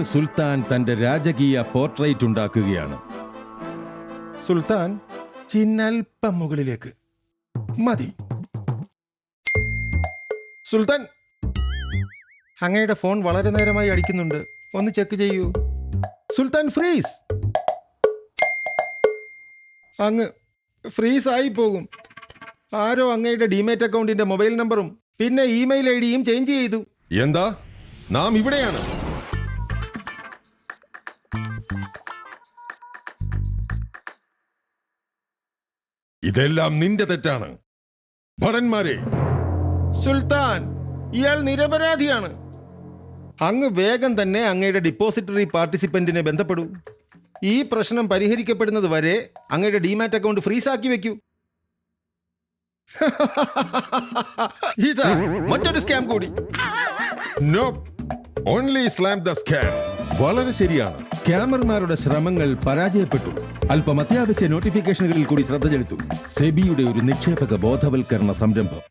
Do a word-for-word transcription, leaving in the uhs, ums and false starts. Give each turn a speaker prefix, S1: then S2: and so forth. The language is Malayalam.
S1: സുൽത്താൻ തന്റെ രാജകീയ പോർട്രേറ്റ് ഉണ്ടാക്കുകയാണ്. സുൽത്താൻ, ചിന്നൽപ്പം മുകളിലേക്ക് മതി. സുൽത്താൻ, അങ്ങയുടെ ഫോൺ വളരെ നേരമായി അടിക്കുന്നുണ്ട്, ഒന്ന് ചെക്ക് ചെയ്യൂ. സുൽത്താൻ, ഫ്രീസ്. അങ്ങ് ഫ്രീസ് ആയി പോകും. ആരോ അങ്ങയുടെ ഡിമേറ്റ് അക്കൗണ്ടിന്റെ മൊബൈൽ നമ്പറും പിന്നെ ഇമെയിൽ ഐ ഡിയും ചേഞ്ച് ചെയ്തു. എന്താ? നാം ഇവിടെയാണ്. ഇതെല്ലാം നിന്റെ തെറ്റാണ്. ഭടന്മാരെ, സുൽത്താൻ, ഇയാൾ നിരപരാധിയാണ്. അങ്ങ് വേഗം തന്നെ അങ്ങയുടെ ഡിപ്പോസിറ്ററി പാർട്ടിസിപ്പന്റിനെ ബന്ധപ്പെടൂ. ഈ പ്രശ്നം പരിഹരിക്കപ്പെടുന്നത് വരെ അങ്ങയുടെ ഡിമാറ്റ് അക്കൗണ്ട് ഫ്രീസ് ആക്കി വെക്കൂ. ഇതാ മറ്റൊരു സ്കാം കൂടി. No, only slam the scam. വളരെ ശരിയാണ്. സ്കാമർമാരുടെ ശ്രമങ്ങൾ പരാജയപ്പെട്ടു. അല്പം അത്യാവശ്യ നോട്ടിഫിക്കേഷനുകളിൽ കൂടി ശ്രദ്ധ ചെലുത്തും. സെബിയുടെ ഒരു നിക്ഷേപക ബോധവൽക്കരണ സംരംഭം.